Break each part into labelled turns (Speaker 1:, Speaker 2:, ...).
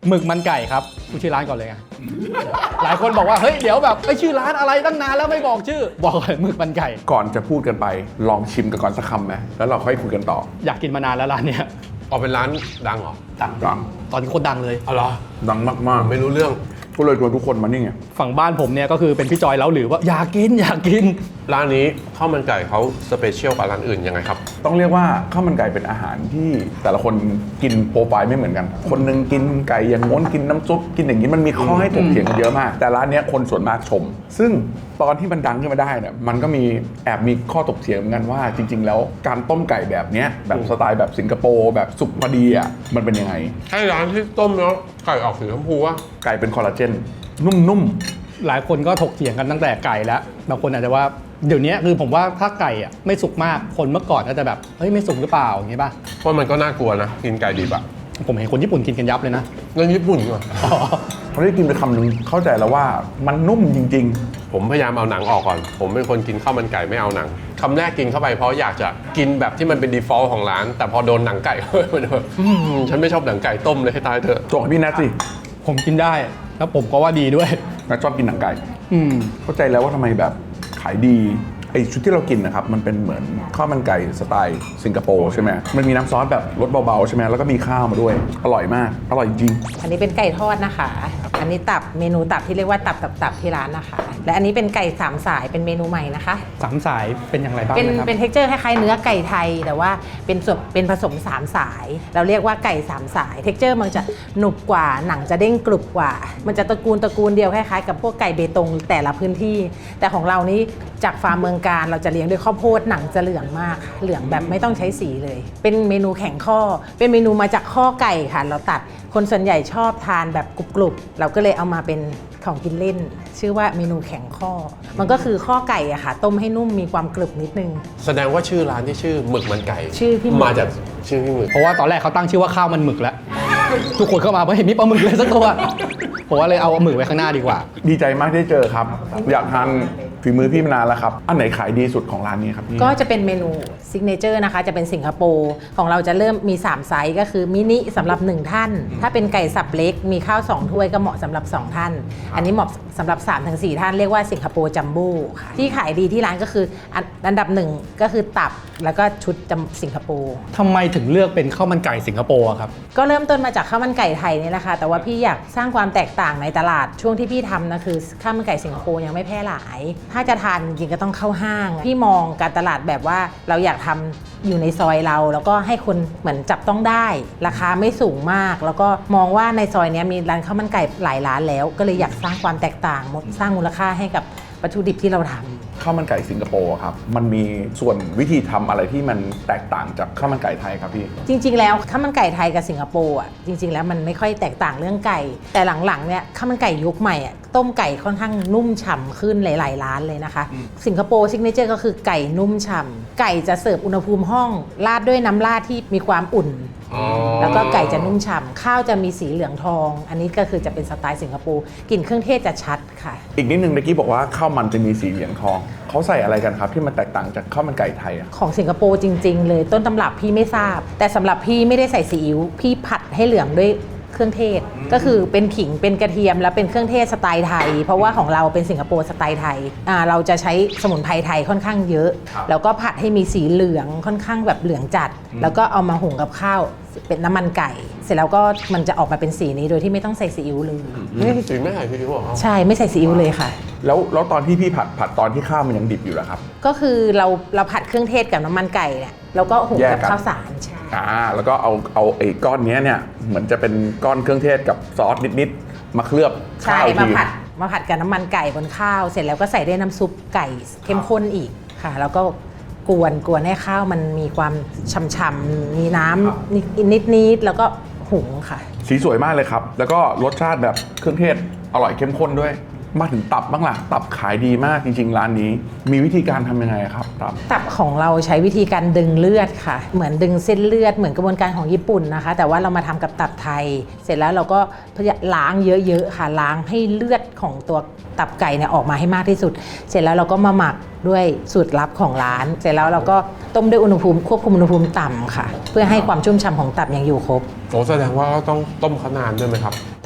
Speaker 1: หมึกมันไก่ครับพูดชื่อร้านก่อนเลยไงหลายคนบอกว่าเฮ้ยเดี๋ยวแบบไอ้ชื่อร้านอะไรตั้งนานแล้วไม่บอกชื่อบอกก่อนหมึกมันไก่
Speaker 2: ก่อนจะพูดกันไปลองชิมกันก่อนสักคำไหมแล้วเราค่อยคุยกันต่อ
Speaker 1: อยากกินมานานแล้วร้านเนี้ย
Speaker 3: ออกเป็นร้านดังเหรอ
Speaker 2: ดัง
Speaker 1: ตอนนี้คนดังเลย
Speaker 3: อ๋อเหรอ
Speaker 2: ดังมากๆ
Speaker 3: ไม่รู้เรื่อง
Speaker 2: ก็เลยชวนทุกคนมานี่ไง
Speaker 1: ฝั่งบ้านผมเนี่ยก็คือเป็นพี่จอยแล้วหรือว่าอยากกิน
Speaker 3: ร้านนี้ข้าวมันไก่เขาสเปเชียลกว่าร้านอื่นยังไงครับ
Speaker 2: ต้องเรียกว่าข้าวมันไก่เป็นอาหารที่แต่ละคนกินโปรไฟล์ไม่เหมือนกันคนนึงกินไก่อย่างง้นกินน้ำซุปกินอย่างนี้มันมีข้อให้ถกเถียงกันเยอะมากแต่ร้านนี้คนส่วนมากชมซึ่งตอนที่มันดังขึ้นมาได้เนี่ยมันก็มีแอบมีข้อถกเถียงเหมือนกันว่าจริงๆแล้วการต้มไก่แบบเนี้ยแบบสไตล์แบบสิงคโปร์แบบสุกพอดีอ่ะมันเป็นยังไง
Speaker 3: ใช่ร้านที่ต้มแล้วไก่ออกสีชมพูวะ
Speaker 2: ไก่เป็นคอลลาเจนนุ่ม
Speaker 1: หลายคนก็ถกเถียงกันตั้งแต่ไก่แล้วบางคนอาจจะว่าเดี๋ยวนี้คือผมว่าถ้าไก่อ่ะไม่สุกมากคนเมื่อก่อนก็จะแบบเฮ้ยไม่สุกหรือเปล่าอย่างงี้ป่ะ
Speaker 3: เพราะมันก็น่ากลัวนะกินไก่ดิบอะ
Speaker 1: ผมเห็นคนญี่ปุ่นกินกันยับเลยนะ
Speaker 3: เรื่องญี่ปุ่นเหรอ
Speaker 2: เขาได้กินไปคำนึงเข้าใจแล้วว่ามันนุ่มจริง
Speaker 3: ๆผมพยายามเอาหนังออกก่อนผมเป็นคนกินข้าวมันไก่ไม่เอาหนังคำแรกกินเข้าไปเพราะอยากจะกินแบบที่มันเป็น default ของร้านแต่พอโดนหนังไก่มันแบบฉันไม่ชอบหนังไก่ต้มเลยให้ตายเถอะ
Speaker 2: จงพี่นัทสิ
Speaker 1: ผมกินได้แล้วผมก็ว่าดีด้วย
Speaker 2: นัทชอบกินหนังไก่เข้าใจแล้วว่าทำไมแบบขายดีไอชุดที่เรากินนะครับมันเป็นเหมือนข้าวมันไก่สไตล์สิงคโปร์ใช่ไหมมันมีน้ำซอสแบบรสเบาๆใช่ไหมแล้วก็มีข้าวมาด้วยอร่อยมากอร่อยจริง
Speaker 4: อันนี้เป็นไก่ทอดนะคะอันนี้ตับเมนูตับที่เรียกว่าตับที่ร้านนะคะและอันนี้เป็นไก่สามสายเป็นเมนูใหม่นะคะ
Speaker 1: สามสายเป็นอย่างไรบ้าง
Speaker 4: นะครับเป็นเท็กเจอร์คล้ายๆเนื้อไก่ไทยแต่ว่าเป็นผสมสามสายเราเรียกว่าไก่สามสายเท็กเจอร์มันจะหนุบกว่าหนังจะเด้งกรุบกว่ามันจะตระกูลเดียวคล้ายๆกับพวกไก่เบตงแต่ละพื้นที่แต่ของเรานี้จากฟาร์มเมืองการเราจะเลี้ยงด้วยข้าวโพดหนังจะเหลืองมากเหลืองแบบไม่ต้องใช้สีเลยเป็นเมนูแข็งข้อเป็นเมนูมาจากข้อไก่ค่ะเราตัดคนส่วนใหญ่ชอบทานแบบกรุบๆเราก็เลยเอามาเป็นของกินเล่นชื่อว่าเมนูแข็งข้อมันก็คือข้อไก่อะค่ะต้มให้นุ่มมีความกรึบนิดนึง
Speaker 3: แสดงว่าชื่อร้านที่ชื่อหมึกมันไก่
Speaker 4: ชื่อพี่
Speaker 3: มาจากชื่อพี่หมึก
Speaker 1: เพราะว่าตอนแรกเขาตั้งชื่อว่าข้าวมันหมึกแล้วทุกคนเข้ามาเพราะเห็นมีปลาหมึกเลยสักตัวผมว่าเลยเอาหมึกไว้ข้างหน้าดีกว่า
Speaker 2: ดีใจมากที่เจอครับอยากทานฝีมือพี่มานานแล้วครับอันไหนขายดีสุดของร้านนี้ครับพี่
Speaker 4: ก็จะเป็นเมนูซิกเนเจอร์นะคะจะเป็นสิงคโปร์ของเราจะเริ่มมี3ไซส์ก็คือมินิสำหรับ1ท่านถ้าเป็นไก่สับเล็กมีข้าว2ถ้วยก็เหมาะสำหรับ2ท่านอันนี้เหมาะสำหรับ 3-4 ท่านเรียกว่าสิงคโปร์จัมโบ้ค่ะที่ขายดีที่ร้านก็คืออันดับ1ก็คือตับแล้วก็ชุดสิงคโปร์
Speaker 1: ทำไมถึงเลือกเป็นข้าวมันไก่สิงคโปร์ครับ
Speaker 4: ก็เริ่มต้นมาจากข้าวมันไก่ไทยนี่แหละค่ะแต่ว่าพี่อยากสร้างความแตกต่างในตลาดช่วงที่พี่ทำนะคือข้าวมันไก่สิงคโปร์ยังไม่แพร่หลายถ้าจะทานจริงก็ต้องเข้าห้างพี่มองการตลาดแบบว่าเราอยากทำอยู่ในซอยเราแล้วก็ให้คนเหมือนจับต้องได้ราคาไม่สูงมากแล้วก็มองว่าในซอยนี้มีร้านข้าวมันไก่หลายร้านแล้วก็เลยอยากสร้างความแตกต่างสร้างมูลค่าให้กับวัตถุดิบที่เราทำ
Speaker 2: ข้าวมันไก่สิงคโปร์ครับมันมีส่วนวิธีทำอะไรที่มันแตกต่างจากข้าวมันไก่ไทยครับพี่
Speaker 4: จริงๆแล้วข้าวมันไก่ไทยกับสิงคโปร์อ่ะจริงๆแล้วมันไม่ค่อยแตกต่างเรื่องไก่แต่หลังๆเนี่ยข้าวมันไก่ยุคใหม่อ่ะต้มไก่ค่อนข้างนุ่มฉ่ำขึ้นหลายๆร้านเลยนะคะสิงคโปร์ซิกเนเจอร์ก็คือไก่นุ่มฉ่ำไก่จะเสิร์ฟอุณหภูมิห้องราดด้วยน้ำราดที่มีความอุ่นแล้วก็ไก่จะนุ่มฉ่ำข้าวจะมีสีเหลืองทองอันนี้ก็คือจะเป็นสไตล์สิงคโปร์กลิ่นเครื่องเทศจะชัดค่ะ
Speaker 2: อีกนิดนึงเมื่อกี้บอกว่าข้าวมันจะมีสีเหลืองทองเขาใส่อะไรกันครับที่มันแตกต่างจากข้าวมันไก่ไทย
Speaker 4: ของสิงคโปร์จริงๆเลยต้นตำรับพี่ไม่ทราบแต่สำหรับพี่ไม่ได้ใส่ซีอิ๊วพี่ผัดให้เหลืองด้วยเครื่องเทศก็คือเป็นขิงเป็นกระเทียมแล้วเป็นเครื่องเทศสไตล์ไทยเพราะว่าของเราเป็นสิงคโปร์สไตล์ไทยเราจะใช้สมุนไพรไทยค่อนข้างเยอะแล้วก็ผัดให้มีสีเหลืองค่อนข้างแบบเหลืองจัดแล้วก็เอามาหุงกับข้าวเป็นน้ำมันไก่เสร็จแล้วก็มันจะออกมาเป็นสีนี้โดยที่ไม่ต้องใส่ซีอิ๊วเลย
Speaker 3: สีไม่ใส่ซีอิ๊วหรอ
Speaker 4: ใช่ไม่ใส่ซีอิ๊วเลยค่ะ
Speaker 2: แล้วตอนที่พี่ผัดตอนที่ข้าวมันยังดิบอยู่แล้วครับ
Speaker 4: ก็คือเราผัดเครื่องเทศกับน้ำมันไก่เนี่ยแล้วก็หุงกับข้าวสารใช่
Speaker 2: แล้วก็เอาไอ้ก้อนนี้เนี่ยเหมือนจะเป็นก้อนเครื่องเทศกับซอสนิดๆมาเคลือบ
Speaker 4: ข้าวมาผัดกับน้ำมันไก่บนข้าวเสร็จแล้วก็ใส่ด้วยน้ำซุปไก่เข้มข้นอีกค่ะแล้วก็กวนให้ข้าวมันมีความฉ่ำๆมีน้ำนิดๆแล้วก็หุงค่ะ
Speaker 2: สีสวยมากเลยครับแล้วก็รสชาติแบบเครื่องเทศอร่อยเข้มข้นด้วยมาถึงตับบ้างล่ะตับขายดีมากจริงๆร้านนี้มีวิธีการทำยังไงครับ
Speaker 4: ตับของเราใช้วิธีการดึงเลือดค่ะเหมือนดึงเส้นเลือดเหมือนกระบวนการของญี่ปุ่นนะคะแต่ว่าเรามาทำกับตับไทยเสร็จแล้วเราก็ล้างเยอะๆค่ะล้างให้เลือดของตัวตับไก่เนี่ยออกมาให้มากที่สุดเสร็จแล้วเราก็มาหมักด้วยสูตรลับของร้านเสร็จแล้วเราก็ต้มด้วยอุณหภูมิควบคุมอุณหภูมิต่ำค่ะเพื่อให้ความชุ่มฉ่ำของตับยังอยู่ครบ
Speaker 3: แสดงว่าต้องต้มเขานานด้วยไหมครับ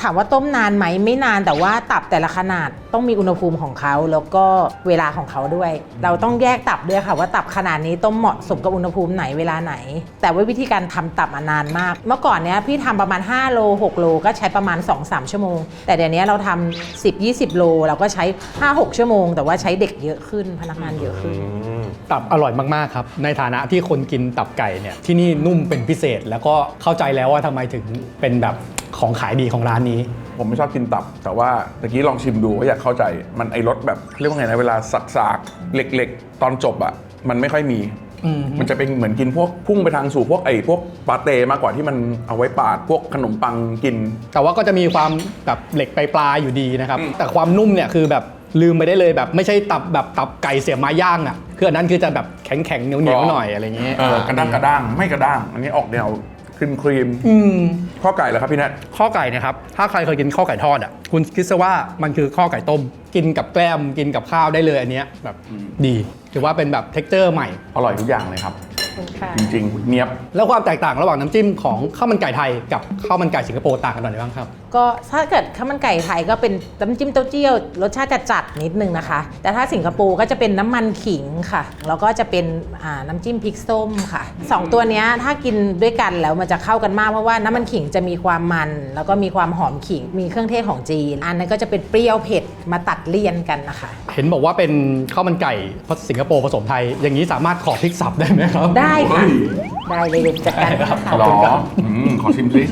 Speaker 4: ถามว่าต้มนานไหมไม่นานแต่ว่าตับแต่ละขนาดต้องมีอุณหภูมิของเขาแล้วก็เวลาของเขาด้วย เราต้องแยกตับด้วยค่ะว่าตับขนาดนี้ต้มเหมาะสมกับอุณหภูมิไหนเวลาไหน แต่ว่าวิธีการทำตับนานมาก เมื่อก่อนเนี้ยพี่ทำประมาณ5โล6โลก็ใช้ประมาณ 2-3 ชั่วโมงแต่เดี๋ยวนี้เราทำ10-20 โลเราก็ใช้ 5-6 ชั่วโมงแต่ว่าใช้เด็กเยอะขึ้นพนักงานเยอะขึ้น
Speaker 1: ตับอร่อยมากๆครับในฐานะที่คนกินตับไก่เนี่ยที่นี่นุ่มเป็นพิเศษแล้วก็เข้าใจแล้วว่าทำไมถึงเป็นแบบของขายดีของร้านนี้
Speaker 2: ผมไม่ชอบกินตับ แต่ว่าตะกี้ลองชิมดูก็อยากเข้าใจมันไอรสแบบเรียกว่าไงนะเวลาสากๆเหล็กๆตอนจบอ่ะมันไม่ค่อยมี มันจะเป็นเหมือนกินพวกพุ่งไปทางสู่พวกพวกปาเต้มากกว่าที่มันเอาไว้ปาดพวกขนมปังกิน
Speaker 1: แต่ว่าก็จะมีความแบบเหล็กปลายๆอยู่ดีนะครับแต่ความนุ่มเนี่ยคือแบบลืมไปได้เลยแบบไม่ใช่ตับแบบตับไก่เสียบไม้ย่างอ่ะคืออันนั้นคือจะแบบแข็งๆเหนียวๆหน่อยอะไรเงี้ย
Speaker 2: กระด้างไม่กระด้าง อันนี้ออกแนวครีมข้อไก่เหรอครับพี่แนท
Speaker 1: ข้อไก่เนะครับถ้าใครเคยกินข้อไก่ทอดอ่ะคุณคิดซะว่ามันคือข้อไก่ต้มกินกับแกล้มกินกับข้าวได้เลยอันเนี้ยแบบดีถือว่าเป็นแบบเท็กเจอร์ใหม่
Speaker 2: อร่อยทุกอย่างเลยครับ จริงๆเนียบ
Speaker 1: แล้วความแตกต่างระหว่างน้ำจิ้มของข้าวมันไก่ไทยกับข้าวมันไก่สิงคโปร์ต่างกันหน่อยบ้างครับ
Speaker 4: ก็ถ้าเกิดข้าวมันไก่ไทยก็เป็นน้ำจิ้มเต้าเจี้ยวรสชาติจะจัดนิดนึงนะคะ แต่ถ้าสิงคโปร์ก็จะเป็นน้ำมันขิงค่ะแล้วก็จะเป็นน้ำจิ้มพริกส้มค่ะ2ตัวเนี้ยถ้ากินด้วยกันแล้วมันจะเข้ากันมากเพราะว่าน้ำมันขิงจะมีความมันแล้วก็มีความหอมขิงมีเครื่องเทศของจีนอันนั้นก็จะเป็นเปรี้ยวเผ็ดมาตัดเลี่ยนกันนะคะ
Speaker 1: เห็นบอกว่าเป็นข้าวมันไก่สิงคโปร์ผสมไทย อย่างนี้สามารถขอพริกสับได้ไหมครับ
Speaker 4: ได้ค่ะได้เลยเดี๋ยวจัดการ
Speaker 1: ได้ครับ
Speaker 4: ค่ะ
Speaker 1: ขอบ
Speaker 2: หร
Speaker 1: คุณ
Speaker 2: อ
Speaker 1: ครับ
Speaker 2: ขอชิมสิ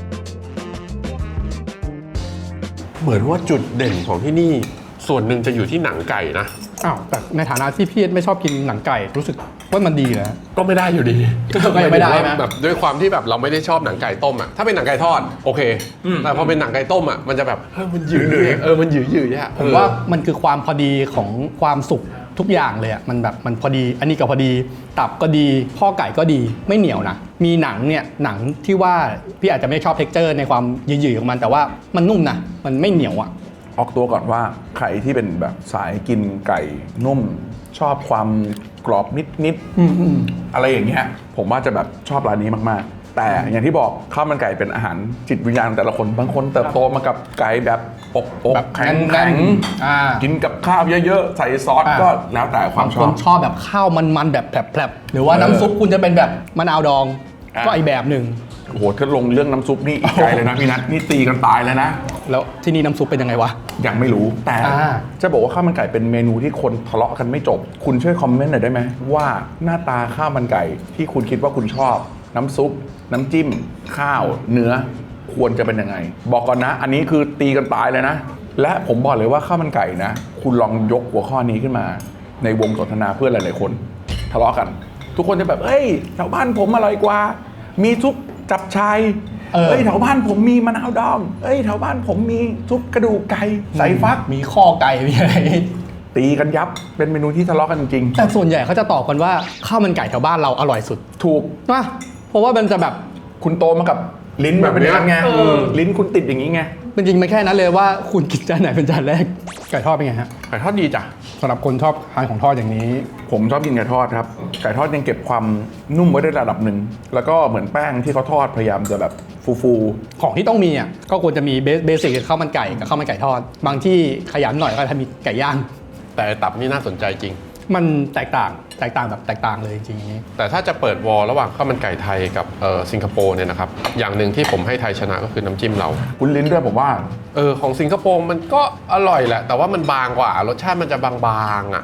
Speaker 3: เหมือนว่าจุดเด่นของที่นี่ส่วนหนึ่งจะอยู่ที่หนังไก่นะ
Speaker 1: อ้าวแต่ในฐานะที่พี่ไม่ชอบกินหนังไก่รู้สึกว่ามันดีนะ
Speaker 3: ก็ไม่ได้อยู่ดี
Speaker 1: ก็ยังไม่ได้นะ
Speaker 3: แบบด้วยความที่แบบเราไม่ได้ชอบหนังไก่ต้มอ่ะถ้าเป็นหนังไก่ทอดโอเคแต่พอเป็นหนังไก่ต้มอ่ะมันจะแบบมันหยืดมันหยืดอ่ะ
Speaker 1: ผมว่ามันคือความพอดีของความสุกทุกอย่างเลยอ่ะมันแบบมันพอดีอันนี้ก็พอดีตับก็ดีข้อไก่ก็ดีไม่เหนียวนะมีหนังเนี่ยหนังที่ว่าพี่อาจจะไม่ชอบเท็กเจอร์ในความหยืดๆของมันแต่ว่ามันนุ่มนะมันไม่เหนียวอ่ะ
Speaker 2: ออกตัวก่อนว่าใครที่เป็นแบบสายกินไก่นุ่ม ชอบความกรอบนิดๆอะไรอย่างเงี้ยผมว่าจะแบบชอบร้านนี้มากๆ แต่อย่างที่บอกข้าวมันไก่เป็นอาหารจิตวิญญาณของแต่ละคนบางคนเติบโตมากับไก่แบบอก
Speaker 1: แบบ
Speaker 2: แข็ง
Speaker 1: แน่นๆ
Speaker 2: กินกับข้าวเยอะๆ ใส่ซอสก็แล้วแต่ความช
Speaker 1: ค
Speaker 2: อน บ
Speaker 1: ชอบแบบข้าวมันๆแบบแผลบๆหรือว่าน้ำซุปคุณจะเป็นแบบมะนาวดองก็อีกแบบหนึ่ง
Speaker 2: โอ้โหถ้าลงเรื่องน้ำซุปนี่อีกไกลเลยนะพี่นัทนี่ตีกันตายเลยนะ
Speaker 1: แล้วที่นี่น้ำซุปเป็นยังไงวะ
Speaker 2: ยังไม่รู้แต่ จะบอกว่าข้าวมันไก่เป็นเมนูที่คนทะเลาะกันไม่จบ คุณช่วยคอมเมนต์หน่อยได้ไหมว่าหน้าตาข้าวมันไก่ที่คุณคิดว่าคุณชอบ น้ำซุป น้ำจิ้ม ข้าว เนื้อ ควรจะเป็นยังไง บอกก่อนนะ อันนี้คือตีกันตายเลยนะ และผมบอกเลยว่าข้าวมันไก่นะ คุณลองยกหัวข้อนี้ขึ้นมา ในวงสนทนาเพื่อนหลายๆคนทะเลาะกัน ทุกคนจะแบบเอ้ยแถวบ้านผมอร่อยกว่า มีซุปจับชายเอ้ยแถวบ้านผมมีมะนาวดองเอ้ยแถวบ้านผมมีซุปกระดูกไก่ใส่ฟัก
Speaker 1: มีข้อไก่มีอะไร
Speaker 2: ตีกันยับเป็นเมนูที่ทะเลาะกันจริง
Speaker 1: แต่ส่วนใหญ่เขาจะตอบกันว่าข้าวมันไก่แถวบ้านเราอร่อยสุด
Speaker 2: ถูก
Speaker 1: นะเพราะว่ามันจะแบบ
Speaker 2: คุณโตมากับลิ้นแบบนี้ไงลิ้นคุณติดอย่างนี้ไง
Speaker 1: จริงๆมันแค่นั้นเลยว่าคุณกินจานไหนเป็นจานแรกไก่ทอดเป็นไงฮะ
Speaker 3: ไก่ทอดดีจ้ะ
Speaker 1: สำหรับคนชอบทานของทอดอย่างนี้
Speaker 2: ผมชอบกินไก่ทอดครับไก่ทอดยังเก็บความนุ่มไว้ได้ระดับหนึ่งแล้วก็เหมือนแป้งที่เขาทอดพยายามจะแบบฟู
Speaker 1: ของที่ต้องมีอ่ะก็ควรจะมีเบสิกคือข้าวมันไก่กับข้าวมันไก่ทอด บางที่ขยันหน่อยก็จะมีไก่ย่าง
Speaker 3: แต่ตับนี่น่าสนใจจริง
Speaker 1: มันแตกต่างแบบแตกต่างเลยจริงๆนี้
Speaker 3: แต่ถ้าจะเปิดวอลระหว่างข้าวมันไก่ไทยกับสิงคโปร์เนี่ยนะครับอย่างหนึ่งที่ผมให้ไทยชนะก็คือน้ำจิ้มเรา
Speaker 2: ๆคุณลิ้นด้วยผมว่า
Speaker 3: ของสิงคโปร์มันก็อร่อยแหละ แต่ว่ามันบางกว่ารสชาติมันจะบางๆอ่ะ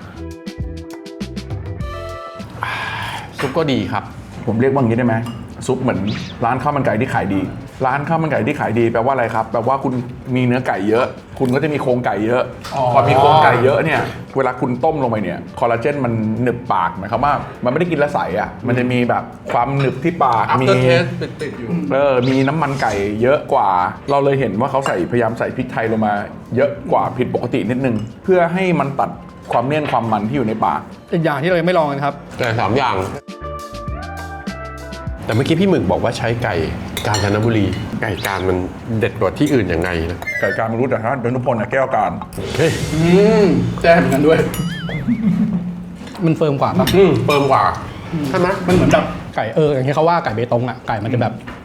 Speaker 3: ซุปก็ดีครับ
Speaker 2: ผมเรียกว่าอย่างนี้ได้ไหมซุปเหมือนร้านข้าวมันไก่ที่ขายดี ร้านข้าวมันไก่ที่ขายดีแปลว่าอะไรครับแปลว่าคุณมีเนื้อไก่เยอะ คุณก็จะมีโครงไก่เยอะ พอมีโครงไก่เยอะเนี่ยเวลาคุณต้มลงไปเนี่ยคอลลาเจนมันหนึบปากหมายความว่ามันไม่ได้กินและใสอ่ะมันจะมีแบบความหนึบที่ปากมี
Speaker 3: after taste ติดๆอยู่
Speaker 2: มีน้ำมันไก่เยอะกว่า เราเลยเห็นว่าเขาพยายามใส่พริกไทยลงมา เยอะกว่าผิดปกตินิดนึงเพื่อให้มันตัดความเลี่ยนความมันที่อยู่ในปาก
Speaker 1: อีกอย่างที่เรายังไม่ลองกันครับ
Speaker 3: แต่3 อย่าง แต่เมื่อกี้พี่หมึกบอกว่าใช้ไก่กาญจนบุรี ไก่การมันเด็ดกว่าที่อื่นยังไงนะ
Speaker 2: ไก่การมรู้แต่ถ้าดนุพลแก้วการ
Speaker 3: เฮ้ย
Speaker 1: แจ้เหมือนกันด้วย มันเฟิร์มกว่าปะ
Speaker 3: เปิ่มกว่าใช่ไหม
Speaker 1: มันเหมือนแบบไก่อย่างที่เขาว่าไก่เบตงอ่ะไก่มันจะแบบ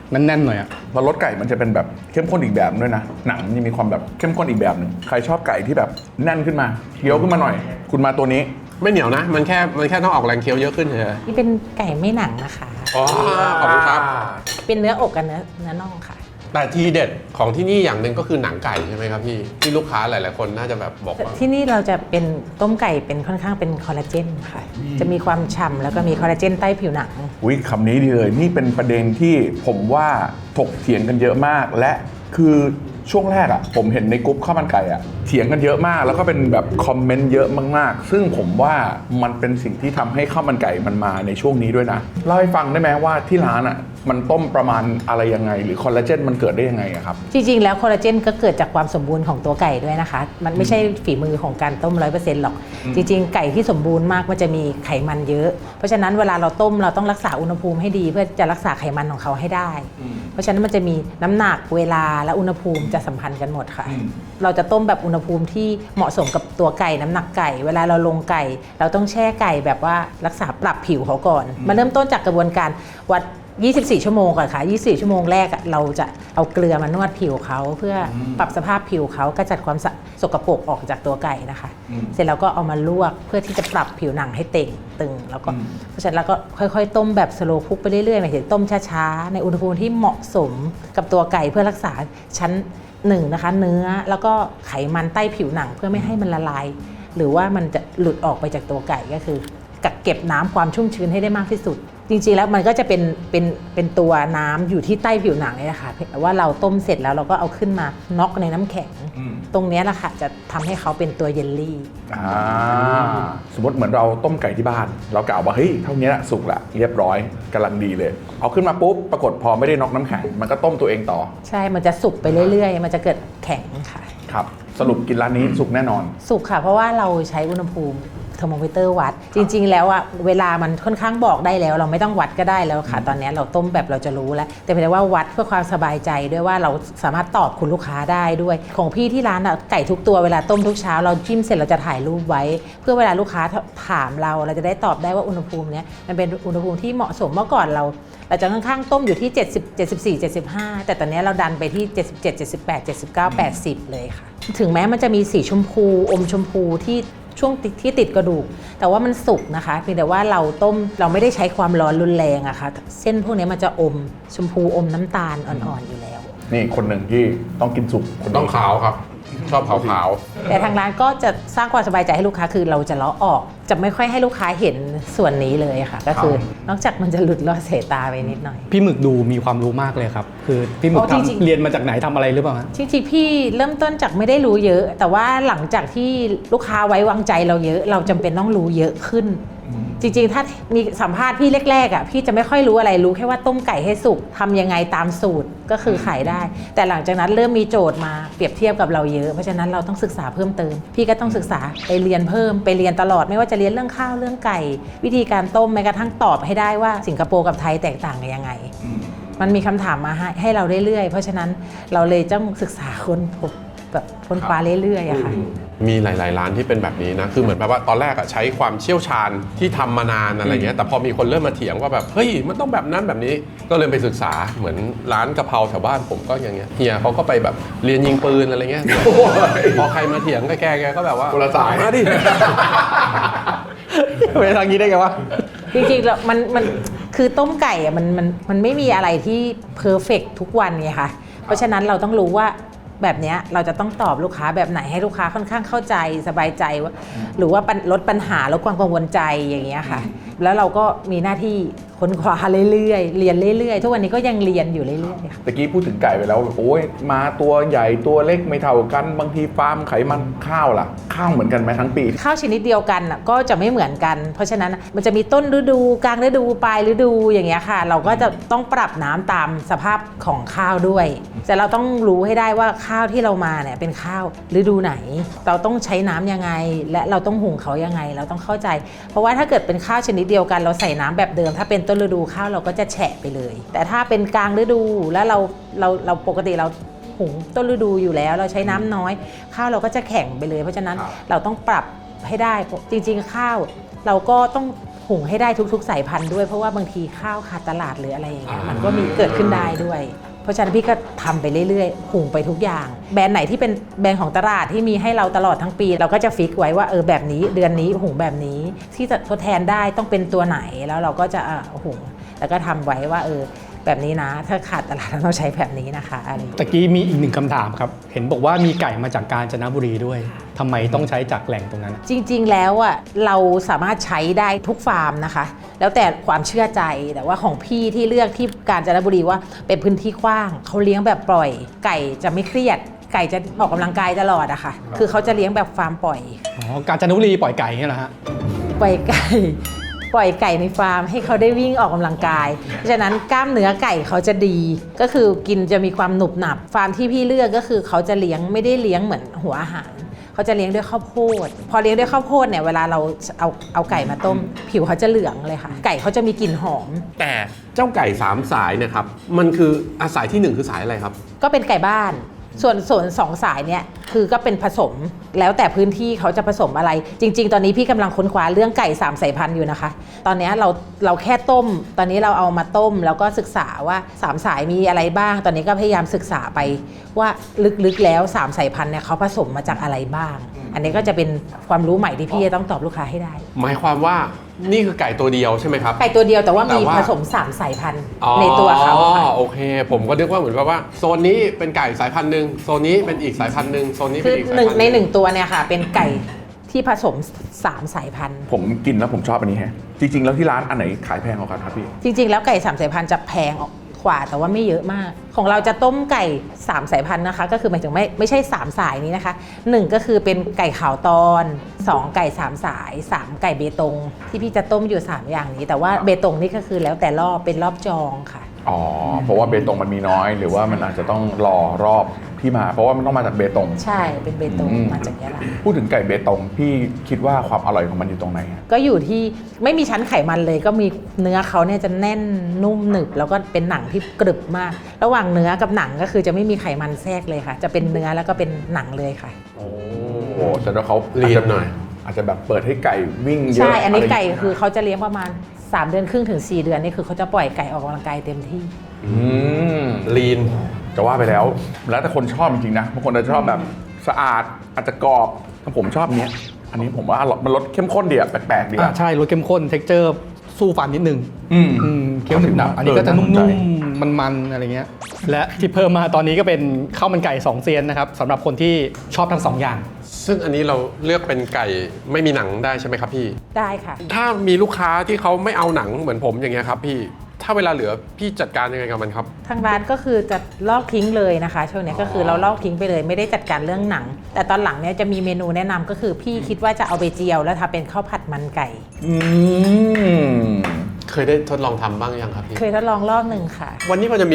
Speaker 1: แน่นๆหน่อยอะ
Speaker 2: เพราะรสไก่มันจะเป็นแบบเข้มข้นอีกแบบด้วยนะหนังมันจะมีความแบบเข้มข้นอีกแบบหนึ่งใครชอบไก่ที่แบบแน่นขึ้นมาเคี้ยวขึ้นมาหน่อย คุณมาตัวนี้
Speaker 3: ไม่เหนียวนะ มันแค่ต้องออกแรงเคี้ยวเยอะขึ้นเฉย
Speaker 4: นี่เป็นไก่ไม่หนังนะคะ
Speaker 3: อ๋อขอบคุณครับ
Speaker 4: เป็นเนื้ออกกับเนื้อน่องค่ะ
Speaker 3: แต่ทีเด็ดของที่นี่อย่างหนึ่งก็คือหนังไก่ใช่ไหมครับพี่ที่ลูกค้าหลายๆคนน่าจะแบบบอกว่า
Speaker 4: ที่นี่เราจะเป็นต้มไก่เป็นค่อนข้างเป็นคอลลาเจนค่ะ จะมีความฉ่ำแล้วก็มีคอลลาเจนใต้ผิวหนัง
Speaker 2: อุ๊ยคำนี้ดีเลยนี่เป็นประเด็นที่ผมว่าถกเถียงกันเยอะมากและคือช่วงแรกอะผมเห็นในกลุ่มข้าวมันไก่อะเถียงกันเยอะมากแล้วก็เป็นแบบคอมเมนต์เยอะมากๆซึ่งผมว่ามันเป็นสิ่งที่ทำให้ข้าวมันไก่มันมาในช่วงนี้ด้วยนะเล่าให้ฟังได้ไหมว่าที่ร้านอะมันต้มประมาณอะไรยังไงหรือคอลลาเจนมันเกิดได้ยังไงอะครับ
Speaker 4: จริงๆ แล้วคอลลาเจนก็เกิดจากความสมบูรณ์ของตัวไก่ด้วยนะคะ มันไม่ใช่ฝีมือของการต้ม 100% หรอก จริงๆ ไก่ที่สมบูรณ์มากมันจะมีไขมันเยอะ เพราะฉะนั้นเวลาเราต้มเราต้องรักษาอุณหภูมิให้ดีเพื่อจะรักษาไขมันของเขาให้ได้ เพราะฉะนั้นมันจะมีน้ำหนักเวลาและอุณหภูมิจะสัมพันธ์กันหมดค่ะ เราจะต้มแบบอุณหภูมิที่เหมาะสมกับตัวไก่น้ำหนักไก่ เวลาเราลงไก่ เราต้องแช่ไก่แบบว่ารักษาปรับผิวเขาก่อน มาเริ่มต้นจากกระบวนการวัด 24 ชั่วโมงก่อนค่ะ 24 ชั่วโมงแรกเราจะเอาเกลือมานวดผิวเขาเพื่อปรับสภาพผิวเขากระจัดความสกปรกออกจากตัวไก่นะคะ เสร็จแล้วก็เอามาลวกเพื่อที่จะปรับผิวหนังให้เต่งตึงแล้วก็เพราะฉะนั้นเราก็ค่อยๆต้มแบบสโลว์คุกไปเรื่อยๆหมายถึงต้มช้าๆในอุณหภูมิที่เหมาะสมกับตัวไก่เพื่อรักษาชั้น1นะคะเนื้อแล้วก็ไขมันใต้ผิวหนังเพื่อไม่ให้มันละลายหรือว่ามันจะหลุดออกไปจากตัวไก่ก็คือกักเก็บน้ำความชุ่มชื้นให้ได้มากที่สุดจริงๆแล้วมันก็จะเป็นตัวน้ำอยู่ที่ใต้ผิวหนังนี่แหละค่ะแต่ว่าเราต้มเสร็จแล้วเราก็เอาขึ้นมาน็อกในน้ำแข็งตรงนี้แหละค่ะจะทำให้เขาเป็นตัวเยลลี่
Speaker 2: สมมติเหมือนเราต้มไก่ที่บ้าน เรากล่าวว่าเฮ้ยเท่านี้แหละสุกละเรียบร้อยกำลังดีเลย เอาขึ้นมาปุ๊บปรากฏพอไม่ได้น็อกน้ำแข็งมันก็ต้มตัวเองต่อ
Speaker 4: ใช่มันจะสุกไปเรื่อยๆมันจะเกิดแข็งค่ะ
Speaker 2: ครับสรุปกินร้านนี้สุกแน่นอน
Speaker 4: สุกค่ะเพราะว่าเราใช้อุณหภูมิเทอร์โมมิเตอร์วัดจริงๆแล้วอะเวลามันค่อนข้างบอกได้แล้วเราไม่ต้องวัดก็ได้แล้วค่ะตอนนี้เราต้มแบบเราจะรู้แล้วแต่เพียงแต่ว่าวัดเพื่อความสบายใจด้วยว่าเราสามารถตอบคุณลูกค้าได้ด้วยของพี่ที่ร้านอะไก่ทุกตัวเวลาต้มทุกเช้าเราจิ้มเสร็จเราจะถ่ายรูปไว้เพื่อเวลาลูกค้าถามเราจะได้ตอบได้ว่าอุณหภูมิเนี้ยมันเป็นอุณหภูมิที่เหมาะสมเมื่อก่อนเราจะค่อนข้างต้มอยู่ที่70 74 75แต่ตอนนี้เราดันไปที่77 78 79 80เลยค่ะถึงแม้มันจะมีสีชมพูอมชมพูที่ช่วงที่ติดกระดูกแต่ว่ามันสุกนะคะเพียงแต่ว่าเราต้มเราไม่ได้ใช้ความร้อนรุนแรงอะค่ะเส้นพวกนี้มันจะอมชมพูอมน้ำตาลอ่อนๆอยู่แล้ว
Speaker 2: นี่คนหนึ่งที่ต้องกินสุกคน
Speaker 3: ต้องขาวครับชอบขาว
Speaker 4: แต่ทางร้านก็จะสร้างความสบายใจให้ลูกค้าคือเราจะเลาะออกจะไม่ค่อยให้ลูกค้าเห็นส่วนนี้เลยค่ะก็คือนอกจากมันจะหลุดลอดสายตาไปนิดหน่อย
Speaker 1: พี่หมึกดูมีความรู้มากเลยครับคือพี่หมึกเรียนมาจากไหนทำอะไรหรือเปล่า
Speaker 4: จริงๆพี่เริ่มต้นจากไม่ได้รู้เยอะ แต่ว่าหลังจากที่ลูกค้าไว้วางใจเราเยอะเราจำเป็นต้องรู้เยอะขึ้นจริงๆถ้ามีสัมภาษณ์พี่แรกๆอ่ะพี่จะไม่ค่อยรู้อะไรรู้แค่ว่าต้มไก่ให้สุกทำยังไงตามสูตรก็คือขายได้แต่หลังจากนั้นเริ่มมีโจทย์มาเปรียบเทียบกับเราเยอะเพราะฉะนั้นเราต้องศึกษาเพิ่มเติมพี่ก็ต้องศึกษาไปเรียนเพิ่มไปเรียนตลอดไม่ว่าจะเรียนเรื่องข้าวเรื่องไก่วิธีการต้มแม้กระทั่งตอบให้ได้ว่าสิงคโปร์กับไทยแตกต่างกันยังไงมันมีคำถามมาให้เราเรื่อยๆเพราะฉะนั้นเราเลยต้องศึกษาค้นพบแบบค้นคว้าเรื่อยๆอะค่ะ
Speaker 3: มีหลายๆร้านที่เป็นแบบนี้นะคือเหมือนแบบว่าตอนแรกอะใช้ความเชี่ยวชาญที่ทำมานานอะไรเงี้ยแต่พอมีคนเริ่มมาเถียงว่าแบบเฮ้ยมันต้องแบบนั้นแบบนี้ก็เลยไปศึกษาเหมือนร้านกะเพราแถวบ้านผมก็อย่างเงี้ยเฮียเขาก็ไปแบบเรียนยิงปืนอะไรเงี้ยพอใครมาเถียงก็แกก็แบบว่า
Speaker 2: คนละสาย
Speaker 3: มาดิ
Speaker 1: ไปทางนี้ได้ไงวะ
Speaker 4: จริงๆแล้วมันคือต้มไก่อะมันไม่มีอะไรที่เพอร์เฟกต์ทุกวันไงค่ะเพราะฉะนั้นเราต้องรู้ว่าแบบนี้เราจะต้องตอบลูกค้าแบบไหนให้ลูกค้าค่อนข้างเข้าใจสบายใจว่าหรือว่าลดปัญหาลดความกังวลใจอย่างเงี้ยค่ะแล้วเราก็มีหน้าที่ค้นคว้าเรื่อยๆเรียนเรื่อยๆทุกวันนี้ก็ยังเรียนอยู่เรื่อยๆค่ะ
Speaker 2: ตะกี้พูดถึงไก่ไปแล้วโอ้ยมาตัวใหญ่ตัวเล็กไม่เท่ากันบางทีฟาร์มไขมันข้าวล่ะข้าวเหมือนกันไหมทั้งปี
Speaker 4: ข้าวชนิดเดียวกันก็จะไม่เหมือนกันเพราะฉะนั้นมันจะมีต้นฤดูกลางฤดูปลายฤดูอย่างเงี้ยค่ะเราก็จะต้องปรับน้ำตามสภาพของข้าวด้วยแต่เราต้องรู้ให้ได้ว่าข้าวที่เรามาเนี่ยเป็นข้าวฤดูไหนเราต้องใช้น้ำยังไงและเราต้องหุงเขายังไงเราต้องเข้าใจเพราะว่าถ้าเกิดเป็นข้าวชนิดเดียวกันเราใส่น้ำแบบเดิมถ้าเป็นต้นฤดูข้าวเราก็จะแฉะไปเลยแต่ถ้าเป็นกลางฤดูแล้วเราปกติเราหุงต้นฤดูอยู่แล้วเราใช้น้ำน้อยข้าวเราก็จะแข็งไปเลยเพราะฉะนั้นเราต้องปรับให้ได้จริงๆข้าวเราก็ต้องหหุงให้ได้ทุกๆสายพันธุ์ด้วยเพราะว่าบางทีข้าวขาดตลาดหรืออะไรอย่างเงี้ยมันก็มีเกิดขึ้นได้ด้วยเพราะฉะนั้นพี่ก็ทำไปเรื่อยๆหุงไปทุกอย่างแบรนด์ไหนที่เป็นแบรนด์ของตลาดที่มีให้เราตลอดทั้งปีเราก็จะฟิกไว้ว่าแบบนี้เดือนนี้หุงแบบนี้ที่จะทดแทนได้ต้องเป็นตัวไหนแล้วเราก็จะหุงแล้วก็ทำไว้ว่าแบบนี้นะถ้าขาดตลาดเราต้องใช้แบบนี้นะคะอะไร
Speaker 1: ตะกี้มีอีกหนึ่งคำถามครับเห็นบอกว่ามีไก่มาจากกาญจนบุรีด้วยทำไมต้องใช้จากแหล่งตรงนั้น
Speaker 4: จริงๆแล้วเราสามารถใช้ได้ทุกฟาร์มนะคะแล้วแต่ความเชื่อใจแต่ว่าของพี่ที่เลือกที่กาญจนบุรีว่าเป็นพื้นที่กว้างเขาเลี้ยงแบบปล่อยไก่จะไม่เครียดไก่จะออกกำลังกายตลอดอะค่ะคือเขาจะเลี้ยงแบบฟาร์มปล่อย
Speaker 1: อ๋อกาญจนบุรีปล่อยไก่เนี่ยเหรอฮะ
Speaker 4: ปล่อยไก่ในฟาร์มให้เขาได้วิ่งออกกำลังกายเพราะฉะนั้นกล้ามเนื้อไก่เขาจะดีก็คือกินจะมีความหนุบหนับฟาร์มที่พี่เลือกก็คือเขาจะเลี้ยงไม่ได้เลี้ยงเหมือนหัวอาหารเขาจะเลี้ยงด้วยข้าวโพดพอเลี้ยงด้วยข้าวโพดเนี่ยเวลาเราเอาไก่มาต้มผิวเขาจะเหลืองเลยค่ะไก่เขาจะมีกลิ่นหอม
Speaker 3: แต่เจ้าไก่3สายเนี่ยครับมันคือสายที่1คือสายอะไรครับ
Speaker 4: ก็เป็นไก่บ้านส่วนสองสายเนี่ยคือก็เป็นผสมแล้วแต่พื้นที่เขาจะผสมอะไรจริงๆตอนนี้พี่กำลังค้นคว้าเรื่องไก่3สายพันธุ์อยู่นะคะตอนนี้เราแค่ต้มตอนนี้เราเอามาต้มแล้วก็ศึกษาว่า3สายมีอะไรบ้างตอนนี้ก็พยายามศึกษาไปว่าลึกๆแล้ว3สายพันธุ์เนี่ยเขาผสมมาจากอะไรบ้างอันนี้ก็จะเป็นความรู้ใหม่ที่พี่จะต้องตอบลูกค้าให้ได้
Speaker 3: หมายความว่านี่คือไก่ตัวเดียวใช่ไหมครับ
Speaker 4: ไก่ตัวเดียวแต่ว่ามี
Speaker 3: แต่ว่า
Speaker 4: ผสม3สายพันธุ์ในตัวเขาค่ะ
Speaker 3: โอเคผมก็นึกว่าเหมือนว่าโซนนี้เป็นไก่สายพันธุ์หนึ่งโซนนี้เป็นอีกสายพันธุ์หนึ่งโซนนี้
Speaker 4: คื
Speaker 3: เป็น
Speaker 4: อ
Speaker 3: อีกสายพันธุ์
Speaker 4: ใน1ตัวเนี่ยค่ะเป็นไก่ที่ผสม3สายพันธุ์
Speaker 2: ผมกินแล้วผมชอบอันนี้แฮะจริงๆแล้วที่ร้านอันไหนขายแพงกว่ากันครับพี่
Speaker 4: จริงๆแล้วไก่3สายพันธุ์จะแพงกว่าแต่ว่าไม่เยอะมากของเราจะต้มไก่3สายพันธุ์นะคะก็คือหมายถึงไม่ใช่3สายนี้นะคะ1ก็คือเป็นไก่ขาวตอน2ไก่3สาย3ไก่เบตงที่พี่จะต้มอยู่3อย่างนี้แต่ว่าเบตงนี่ก็คือแล้วแต่รอบเป็นรอบจองค่ะ
Speaker 2: อ๋อเพราะว่าเบตงมันมีน้อยหรือว่ามันอาจจะต้องรอรอบที่มาเพราะว่ามันต้องมาจากเบตง
Speaker 4: ใช่เป็นเบตง
Speaker 2: อืม
Speaker 4: มาจากยะลา
Speaker 2: พูดถึงไก่เบตงพี่คิดว่าความอร่อยของมันอยู่ตรงไหน
Speaker 4: ก็อยู่ที่ไม่มีชั้นไขมันเลยก็มีเนื้อเขาเนี่ยจะแน่นนุ่มหนึบแล้วก็เป็นหนังที่กรึบมาก ระหว่างเนื้อกับหนังก็คือจะไม่มีไขมันแทรกเลยค่ะ จะเป็นเนื้อแล้วก็เป็นหนังเลยค่ะ
Speaker 2: โอ้โหแต่ว่าเขา
Speaker 3: ลีนหน่อย
Speaker 2: อาจจะแบบเปิดให้ไก่วิ่งเยอะ
Speaker 4: ใช่อันนี้
Speaker 2: ะร
Speaker 4: ไก่คือเขาจะเลี้ยงประมาณ3 เดือนครึ่งถึง4 เดือนนี่คือเขาจะปล่อยไก่ออกกำลังกายเต็มที่
Speaker 2: อืม
Speaker 3: ลีน
Speaker 2: จะว่าไปแล้ว แล้วแต่คนชอบจริงๆนะบางคนจะชอบแบบสะอาดอาจจะกรอบถ้าผมชอบเนี้ยอันนี้ผมว่ามันรสเข้มข้นดีอะแปลกๆดีอะ
Speaker 1: ใช่รสเข้มข้นเท็กเจอร์สู้ฟันนิดนึง
Speaker 2: อืม
Speaker 1: เคี้ยวหนึบหนับอันนี้ก็จะ
Speaker 2: น่าสนใจ
Speaker 1: นุ่มๆมันๆอะไรเงี้ยและที่เพิ่มมาตอนนี้ก็เป็นข้าวมันไก่2เซียนนะครับสำหรับคนที่ชอบทั้ง2อย่าง
Speaker 3: ซึ่งอันนี้เราเลือกเป็นไก่ไม่มีหนังได้ใช่ไหมครับพี่
Speaker 4: ได้ค่ะ
Speaker 3: ถ้ามีลูกค้าที่เขาไม่เอาหนังเหมือนผมอย่างเงี้ยครับพี่ถ้าเวลาเหลือพี่จัดการยังไงกับมันครับ
Speaker 4: ทางร้านก็คือจะลอกทิ้งเลยนะคะช่วงนี้ก็คือเราลอกทิ้งไปเลยไม่ได้จัดการเรื่องหนัง แต่ตอนหลังเนี่ยจะมีเมนูแนะนำก็คือพี่คิดว่าจะเอาไปเจียวแล้วทำเป็นข้าวผัดมันไก่
Speaker 2: อืม
Speaker 3: เคยได้ทดลองทำบ้างยังครับพี่
Speaker 4: เคยทดลองรอบหนึ่งค่ะ
Speaker 3: วันนี้พอจะมี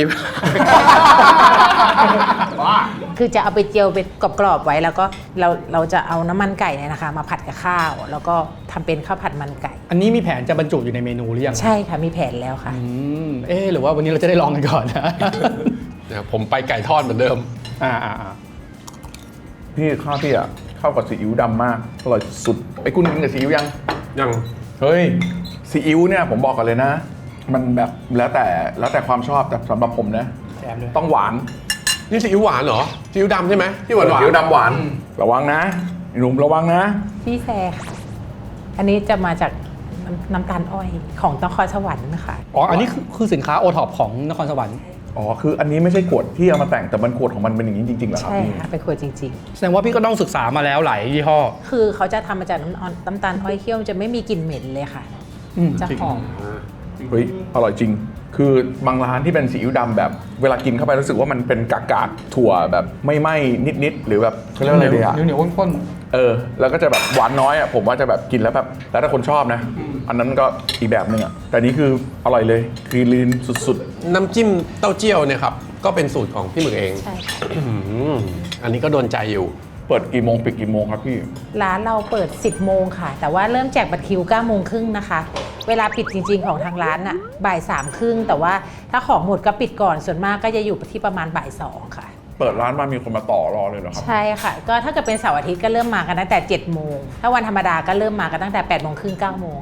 Speaker 4: คือจะเอาไปเจียวเป็นกรอบๆไว้แล้วก็เราจะเอาน้ำมันไก่เนี่ยนะคะมาผัดกับข้าว แล้วก็ทำเป็นข้าวผัดมันไก่
Speaker 1: อันนี้มีแผนจะบรรจุอยู่ในเมนูหรือยัง
Speaker 4: ใช่ค่ะมีแผนแล้วค่ะ
Speaker 1: หรือว่าวันนี้เราจะได้ลองกันก่อนนะ
Speaker 3: เนี่ยผมไปไก่ทอดเหมือนเดิม
Speaker 1: อ่า
Speaker 2: พี่ข้าวพี่อะเข้ากับซีอิ๊วดำมากอร่อยสุดไอ้คุณกินกับซีอิ๊วยัง
Speaker 3: ยัง
Speaker 2: เฮ้ยซีอิ๊วเนี่ยผมบอกกันเลยนะ มันแบบแล้วแต่ความชอบแต่สำหรับผมนะ
Speaker 1: แถมด้วย
Speaker 2: ต้องหวาน
Speaker 3: นี่ซีอิ๊วหวานเหรอซีอิ๊วดำใช่ไหมที่หวานหวาน
Speaker 2: ซีอิ๊วดำหวานระวังนะหนุ่มระวังนะ
Speaker 4: พี่แซค่ะ อันนี้จะมาจากน้ำตาลอ้อยของนครสวรรค์นะคะ
Speaker 1: อ๋ออันนี้คือสินค้าโอท็อปของนครสวรรค์
Speaker 2: อ๋อคืออันนี้ไม่ใช่ขวดที่เอามาแต่งแต่มันขวดของมันเป็นอย่างนี้จริงๆเหรอครับ
Speaker 4: ใช่
Speaker 2: พี่
Speaker 4: ค่ะเป็นขวดจริง
Speaker 1: แสดงว่าพี่ก็ต้องศึกษามาแล้วหลายยี่ห้อ
Speaker 4: ๆ คือเขาจะทำมาจากน้ำตาลอ้อยเคี่ยวจะไม่มีกลิ่นเหม็นเลยค่ะ จะหอม
Speaker 2: เฮ้ยอร่อยจริง คือบางร้านที่เป็นซีอิ๊วดำแบบ เวลากินเข้าไปรู้สึกว่ามันเป็นกากๆถั่วแบบไม่ไหม้นิดๆหรือแบบเขาเรียกว่าอะไรดีอะ
Speaker 1: เหนียวข้น
Speaker 2: แล้วก็จะแบบหวานน้อยอ่ะผมว่าจะแบบกินแล้วแบบแล้วถ้าคนชอบนะ อันนั้นก็อีกแบบหนึงอ่ะแต่นี้คืออร่อยเลยคือลีนสุด
Speaker 3: น้ำจิ้มเต้าเจี้ยวเนี่ยครับก็เป็นสูตรของพี่หมึกเอง
Speaker 4: ใช่ค่ะ
Speaker 3: อันนี้ก็โดนใจอยู่
Speaker 2: ๆ เปิดกี่โมงปิดกี่โมงครับพี่
Speaker 4: ร้านเราเปิด 10 โมงค่ะ แต่ว่าเริ่มแจกบัตรคิว 9 โมงครึ่งนะคะ เวลาปิดจริงๆของทางร้านน่ะบ่าย 3 ครึ่ง แต่ว่าถ้าของหมดก็ปิดก่อน ส่วนมากก็จะอยู่ที่ประมาณบ่าย 2 ค่ะ
Speaker 2: เปิดร้านมามีคนมาต่อรอเลยเหรอครับ
Speaker 4: ใช่ค่ะ ก็ถ้าเกิดเป็นเสาร์อาทิตย์ก็เริ่มมากันตั้งแต่ 7 โมง ถ้าวันธรรมดาก็เริ่มมากันตั้งแต่ 8 โมงครึ่ง 9 โมงค่ะ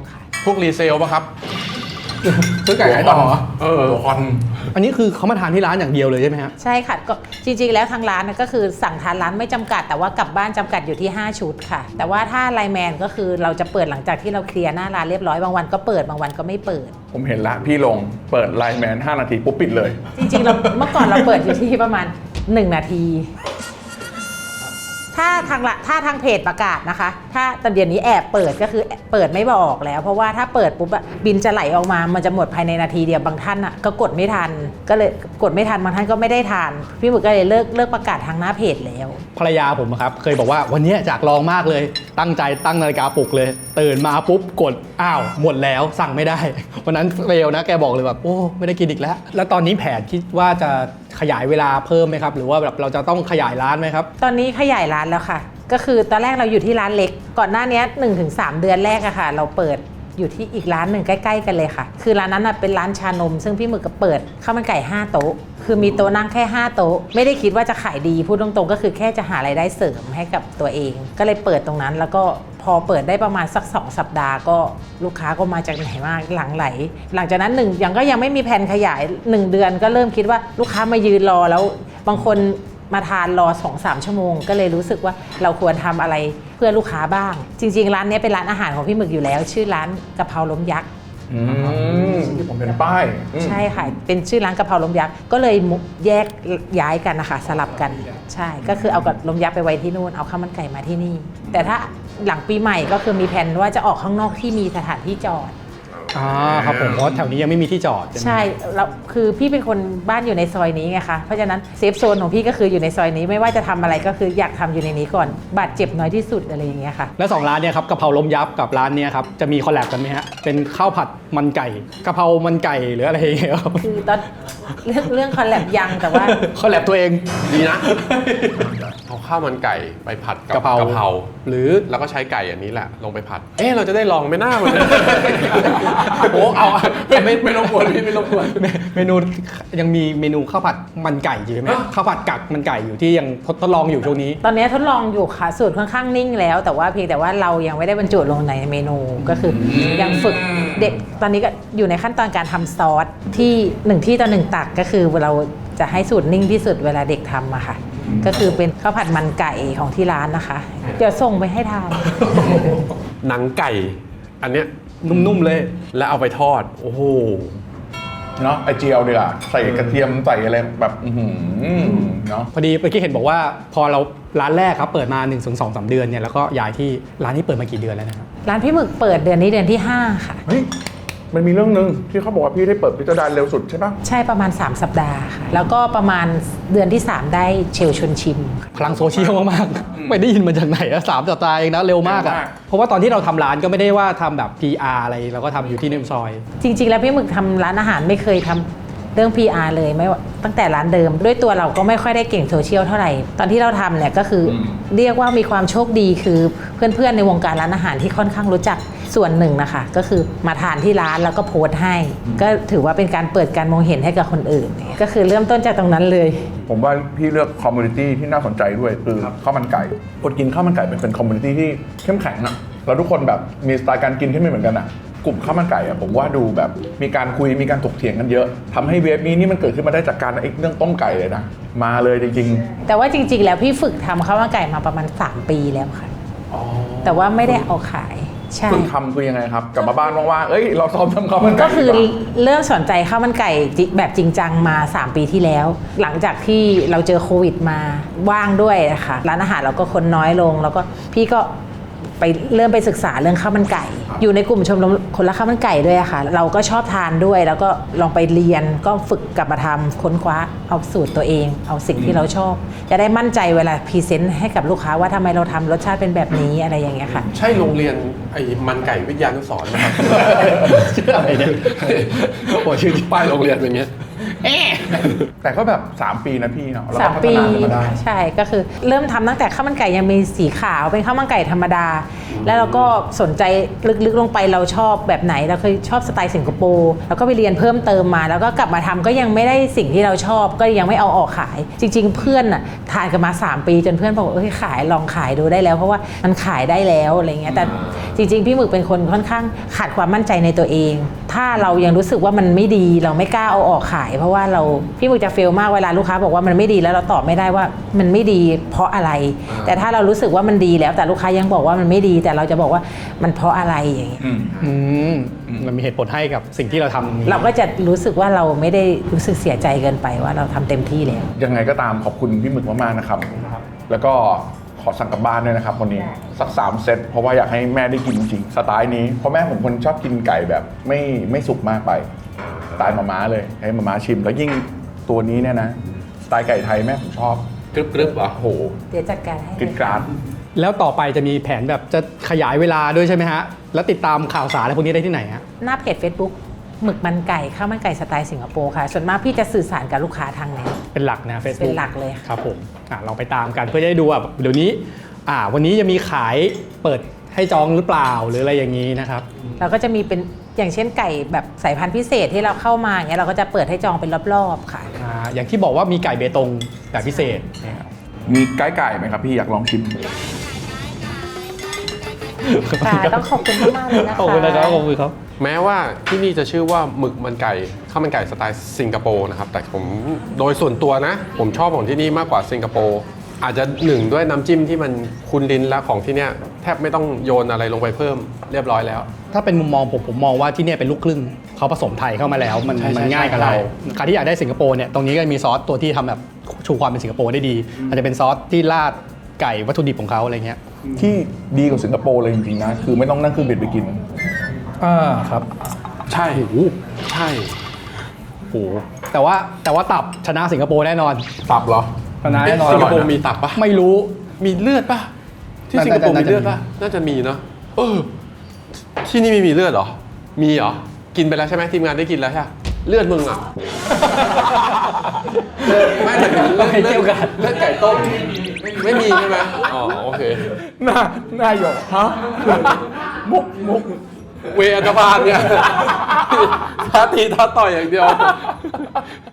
Speaker 3: พวกรีเซลป่ะครับ
Speaker 1: ซื้อไก่ขายต่อ
Speaker 2: ตัวคอน
Speaker 1: อันนี้คือเขามาทานที่ร้านอย่างเดียวเลยใช่ไหมฮะ
Speaker 4: ใช่ค่ะก็จริงๆแล้วทางร้านก็คือสั่งทานร้านไม่จำกัด แต่ว่ากลับบ้านจำกัดอยู่ที่ 5 ชุดค่ะ แต่ว่าถ้าไลน์แมนก็คือเราจะเปิดหลังจากที่เราเคลียร์หน้าร้านเรียบร้อยบางวันก็เปิดบางวันก็ไม่เปิด
Speaker 2: ผมเห็นละพี่ลงเปิดไลน์แมน5 นาทีปุ๊บปิดเลย
Speaker 4: จริงๆเราเมื่อก่อนเราเปิดอยู่ที่ประมาณ 1 นาที ถ้าทางเพจประกาศนะคะ ถ้าตอนเดี๋ยวนี้แอบเปิดก็คือเปิดไม่บอกแล้ว เพราะว่าถ้าเปิดปุ๊บอะบินจะไหลออกมามันจะหมดภายในนาทีเดียวบางท่านอะก็กดไม่ทันก็เลยกดไม่ทันบางท่านก็ไม่ได้ทานพี่หมึกก็เลยเลิกประกาศทางหน้าเพจแล้ว
Speaker 1: ภรรยาผมอะครับเคยบอกว่าวันนี้อยากลองมากเลย ตั้งใจตั้งนาฬิกาปลุกเลยตื่นมาปุ๊บกดอ้าวหมดแล้วสั่งไม่ได้ วันนั้นเฟลนะแกบอกเลยแบบโอ้ไม่ได้กินอีกแล้ว แล้วตอนนี้แผนคิดว่าจะขยายเวลาเพิ่มไหมครับหรือว่าแบบเราจะต้องขยายร้านไหมครับ
Speaker 4: ตอนนี้ขยายร้านแล้วค่ะ ก็คือตอนแรกเราอยู่ที่ร้านเล็ก ก่อนหน้านี้ 1-3 เดือนแรกอะค่ะ เราเปิดอยู่ที่อีกร้านหนึ่งใกล้ๆกันเลยค่ะ คือร้านนั้นเป็นร้านชานม ซึ่งพี่หมึกก็เปิดข้าวมันไก่5 โต๊ะ คือมีโต๊ะนั่งแค่5 โต๊ะ ไม่ได้คิดว่าจะขายดีพูดตรงๆก็คือแค่จะหารายได้เสริมให้กับตัวเอง ก็เลยเปิดตรงนั้นแล้วก็พอเปิดได้ประมาณสัก2 สัปดาห์ก็ลูกค้าก็มาจากไหนมากหลังไหล หลังจากนั้นยังไม่มีแผนขยาย 1 เดือนก็เริ่มคิดว่าลูกค้ามายืนรอแล้วบางคนมาทานรอ 2-3 ชั่วโมงก็เลยรู้สึกว่าเราควรทำอะไรเพื่อลูกค้าบ้าง จริงๆร้านนี้เป็นร้านอาหารของพี่หมึกอยู่แล้ว ชื่อร้านกะเพราล้มยักษ์
Speaker 2: ที่ผมเห็นป้าย
Speaker 4: ใช่ค่ะเป็นชื่อร้านกะเพราล้มยักษ์ก็เลยแยกย้ายกันนะคะสลับกันใช่ก็คือเอากับล้มยักษ์ไปไว้ที่นู่นเอาข้าวมันไก่มาที่นี่ แต่ถ้าหลังปีใหม่ก็คือมีแผนว่าจะออกข้างนอกที่มีสถานที่จอด
Speaker 1: ครับผมเพราะแถวนี้ยังไม่มีที่จอด
Speaker 4: ใช่แล้วคือพี่เป็นคนบ้านอยู่ในซอยนี้ไงคะเพราะฉะนั้นเซฟโซนของพี่ก็คืออยู่ในซอยนี้ไม่ว่าจะทำอะไรก็คืออยากทำอยู่ในนี้ก่อนบาดเจ็บน้อยที่สุดอะไรอย่างเงี้ยค่ะ
Speaker 1: แล้ว2ร้านเนี่ยครับกะเพราล้มยับกับร้านเนี้ยครับจะมีคอลแลบกันไหมฮะเป็นข้าวผัดมันไก่กะเพรามันไก่หรืออะไรอย่างเงี้ยครับ
Speaker 4: คือตอนเรื่องคอลแลบยังแต่ว่า
Speaker 1: คอลแลบตัวเอง
Speaker 3: ดีนะ เอาข้าวมันไก่ไปผัดกับ
Speaker 1: กะเพราก
Speaker 3: หรือแล้วก็ใช้ไก่อันนี้แหละลงไปผัด เราจะได้ลองไหม่น่ามัน โอ้เอาไม่รบกวนพี่ไม่รบกวน
Speaker 1: เมนูยังมีเมนูข้าวผัดมันไก่อยู่ใช่ไหมข้าวผัดกักมันไก่อยู่ที่ยังทดลองอยู่ช่วงนี้
Speaker 4: ตอนนี้ทดลองอยู่ค่ะสูตรค่อนข้างนิ่งแล้วแต่ว่าเพียงแต่ว่าเรายังไม่ได้บรรจุลงในเมนูก็คือยังฝึกเด็กตอนนี้ก็อยู่ในขั้นตอนการทำซอสที่1 ที่ต่อ 1 ตักก็คือเราจะให้สูตรนิ่งที่สุดเวลาเด็กทำอะค่ะก็คือเป็นข้าวผัดมันไก่ของที่ร้านนะคะเดี๋ยวส่งไปให้ทาน
Speaker 3: หนังไก่ อันเนี้ย
Speaker 1: นุ่มๆเลย
Speaker 3: แล้วเอาไปทอด โอ้โห
Speaker 2: เนาะไอเจียวดีกว่าใส่กระเทียมใส่อะไรแบบเนาะ
Speaker 1: พอดีเมื่อกี้เห็นบอกว่าพอเราร้านแรกครับเปิดมา 1-2-3 เดือนเนี่ยแล้วก็ย้ายที่ร้านนี้เปิดมากี่เดือนแล้วนะครับ
Speaker 4: ร้านพี่หมึกเปิดเดือนนี้เดือนที่ 5 ค่ะ
Speaker 2: เฮ้ยมันมีเรื่องนึงที่เขาบอกว่าพี่ได้เปิดพิจารณาเร็วสุดใช่ปะ
Speaker 4: ใช่ประมาณ 3 สัปดาห์ค่ะแล้วก็ประมาณเดือนที่ 3 ได้เชลชวนชิมค่ะ
Speaker 1: พลังโซเชียลมากๆ ไม่ได้ยินมาจากไหนอะ3 สัปดาห์เองนะเร็วมากอะเพราะว่าตอนที่เราทำร้านก็ไม่ได้ว่าทำแบบ PR อะไรเราก็ทำอยู่ที่ในซอย
Speaker 4: จริงๆ แล้วพี่หมึกทำร้านอาหารไม่เคยทำเรื่อง PR เลยไม่ว่าตั้งแต่ร้านเดิม ด้วยตัวเราก็ไม่ค่อยได้เก่งโซเชียลเท่าไหร่ ตอนที่เราทำเนี่ยก็คือเรียกว่ามีความโชคดีคือเพื่อนๆในวงการร้านอาหารที่ค่อนข้างรู้จักส่วนหนึ่งนะคะก็คือมาทานที่ร้านแล้วก็โพสต์ให้ ก็ถือว่าเป็นการเปิดการมองเห็นให้กับคนอื่น ก็คือเริ่มต้นจากตรงนั้นเลย
Speaker 2: ผมว่าพี่เลือกคอมมูนิตี้ที่น่าสนใจด้วยคือข้าวมันไก่คนกินข้าวมันไก่เป็นคอมมูนิตี้ที่เข้มแข็งอะแล้วทุกคนแบบมีสไตล์การกินที่ไม่เหมือนกันอะกลุ่มข้าวมันไก่อะผมว่าดูแบบมีการคุยมีการถกเถียงกันเยอะทำให้เวฟนี้นี่มันเกิดขึ้นมาได้จากการเรื่องต้มไก่เลยนะมาเลยจริง
Speaker 4: แต่ว่าจริงๆ แล้วพี่ฝึกทำข้าวมันไก่มาประมาณ3 ปีแล้วค่ะแต่ว่าไม่ได้เอาขายใช่
Speaker 2: ๆฝึกทำคือยังไงครับกลับมาบ้านว่างๆเราซ้อมทำข้าวมันไก่
Speaker 4: ก็คือ
Speaker 2: ดีว่า
Speaker 4: เริ่มสนใจข้าวมันไก่แบบจริงจังมา 3 ปีที่แล้ว หลังจากที่เราเจอโควิดมาว่างด้วยนะคะร้านอาหารเราก็คนน้อยลง แล้วก็พี่ก็ไปเริ่มไปศึกษาเรื่องข้าวมันไก่ อยู่ในกลุ่มชมรมคนละข้าวมันไก่ด้วยอะค่ะเราก็ชอบทานด้วย แล้วก็ลองไปเรียนก็ฝึกกลับมาทำค้นคว้าเอาสูตรตัวเอง เอาสิ่งที่เราชอบ จะได้มั่นใจเวลาพรีเซนต์ให้กับลูกค้าว่าทำไมเราทำรสชาติเป็นแบบนี้อะไรอย่างเงี้ยค่ะ
Speaker 3: ใช่โรงเรียนไอ้มันไก่วิทยานุสรณ์นะครับ
Speaker 1: ชื่ออะไรเนี่ยโอ้ชื่อ
Speaker 3: ป้ายโรงเรียนอย่างเงี้ย
Speaker 2: แต่ก็แบบ3 ปีนะพี่เนาะแล้วก็
Speaker 4: 3
Speaker 2: พัฒ
Speaker 4: ปี
Speaker 2: นาขึ้นมาได้
Speaker 4: ใช่ก็คือเริ่มทำตั้งแต่ข้าวมันไก่ยังมีสีขาวเป็นข้าวมันไก่ธรรมดา แล้วเราก็สนใจลึกๆลงไปเราชอบแบบไหนเราเคยชอบสไตล์สิงคโปร์แล้วก็ไปเรียนเพิ่มเติมมาแล้วก็กลับมาทำก็ยังไม่ได้สิ่งที่เราชอบก็ยังไม่เอาออกขาย จริง ๆ เพื่อนน่ะทานกันมา3 ปีจนเพื่อนบอกขายลองขายดูได้แล้วเพราะว่ามันขายได้แล้วอะไรเงี้ยแต่จริงๆพี่หมึกเป็นคนค่อนข้างขาดความมั่นใจในตัวเอง ถ้าเรายังรู้สึกว่ามันไม่ดีเราไม่กล้าเอาออกขาย เพราะว่าพี่หมึกจะเฟลมากเวลาลูกค้าบอกว่ามันไม่ดีแล้วเราตอบไม่ได้ว่ามันไม่ดีเพราะอะไร แต่ถ้าเรารู้สึกว่ามันดีแล้วแต่ลูกค้ายังบอกว่ามันไม่ดี แต่เราจะบอกว่ามันเพราะอะไรอย่างเงี้ย
Speaker 1: มันมีเหตุผลให้กับสิ่งที่เราทำ
Speaker 4: เราก็จะรู้สึกว่าเราไม่ได้รู้สึกเสียใจเกินไปว่าเราทำเต็มที่แล้ว
Speaker 2: ยังไงก็ตามขอบคุณพี่หมึกมากๆนะครับ แล้วก็ขอสั่งกลับบ้านด้วยนะครับวันนี้สัก3 เซตเพราะว่าอยากให้แม่ได้กินจริงๆสไตล์นี้เพราะแม่ผมคนชอบกินไก่แบบไม่สุกมากไปสไตล์มาม่าเลยให้มาม่าชิม แล้วยิ่งตัวนี้เนี่ยนะสไตล์ไก่ไทยแม่ผมชอบ
Speaker 3: กรึบๆเหรอ
Speaker 2: โอ้โห
Speaker 4: เดี๋ยวจัดการให้
Speaker 2: กินกราด
Speaker 1: แล้วต่อไปจะมีแผนแบบจะขยายเวลาด้วยใช่ไหมฮะ แล้วติดตามข่าวสารอะไรพวกนี้ได้ที่ไหนฮะ
Speaker 4: หน้าเพจ Facebook หมึกมันไก่ข้าวมันไก่สไตล์สิงคโปร์ค่ะส่วนมากพี่จะสื่อสารกับลูกค้าทางไหน
Speaker 1: เป็นหลักนะ Facebook
Speaker 4: เป็นหลักเลยค่ะ
Speaker 1: ครับผมลองไปตามกันเพื่อจะได้ดูว่าเดี๋ยวนี้วันนี้จะมีขายเปิดให้จองหรือเปล่าหรืออะไรอย่างนี้นะครับ
Speaker 4: เราก็จะมีเป็นอย่างเช่นไก่แบบสายพันธุ์พิเศษที่เราเข้ามาอย่างเงี้ยเราก็จะเปิดให้จองเป็นรอบๆค่ะ
Speaker 1: อย่างที่บอกว่ามีไก่เบตงแบบพิเศษนะครับ
Speaker 2: มีไก่ไหมครับพี่อยากลองชิม
Speaker 4: ค่ะต้องขอบคุณมากๆเลยนะคะ
Speaker 1: ขอบคุณนะครับขอบคุณครับ
Speaker 3: แม้ว่าที่นี่จะชื่อว่าหมึกมันไก่ข้าวมันไก่สไตล์สิงคโปร์นะครับแต่ผมโดยส่วนตัวนะ ผมชอบของที่นี่มากกว่าสิงคโปร์อาจจะหนึ่งด้วยน้ำจิ้มที่มันคุ้นลิ้นและของที่เนี่ยแทบไม่ต้องโยนอะไรลงไปเพิ่มเรียบร้อยแล้ว
Speaker 1: ถ้าเป็นมุมมองผมมองว่าที่เนี่ยเป็นลูกครึ่งเขาผสมไทยเข้ามาแล้วมัน
Speaker 3: ใช่
Speaker 1: มันง่ายกับเรา
Speaker 3: ใช่
Speaker 1: ใครที่อยากได้สิงคโปร์เนี่ยตรงนี้ก็มีซอสตัวที่ทำแบบชูความเป็นสิงคโปร์ได้ดีอาจจะเป็นซอสที่ราดไก่วัตถุดิบของเขาอะไรเงี้ย
Speaker 2: ที่ดีกว่าสิงคโปร์เลยจริงๆนะคือไม่ต้องนั่งเครื่องบินไปกิน
Speaker 1: ครับ
Speaker 3: ใช่ใช่
Speaker 1: โอ้แต่ว่าตับชนะสิงคโปร์แน่นอน
Speaker 3: ตับเหรอ
Speaker 1: ชนะแน่นอน
Speaker 3: สิงคโปร์มีตับปะ
Speaker 1: ไม่รู้
Speaker 3: มีเลือดปะที่สิงคโปร์มีเลือดปะน่าจะมีเนาะที่นี่ไม่มีเลือดเหรอมีเหรอกินไปแล้วใช่ไหมทีมงานได้กินแล้วใช่ปะเลือดมึงอ่ะไม่แต่เลือดไก่ต้มไม่มีใช่ไหมอ๋อโอเค
Speaker 2: หน้าหยกฮะมุก
Speaker 3: เวอันตรพานเนี่ยท้าตีท้าต่อยอย่างเดียว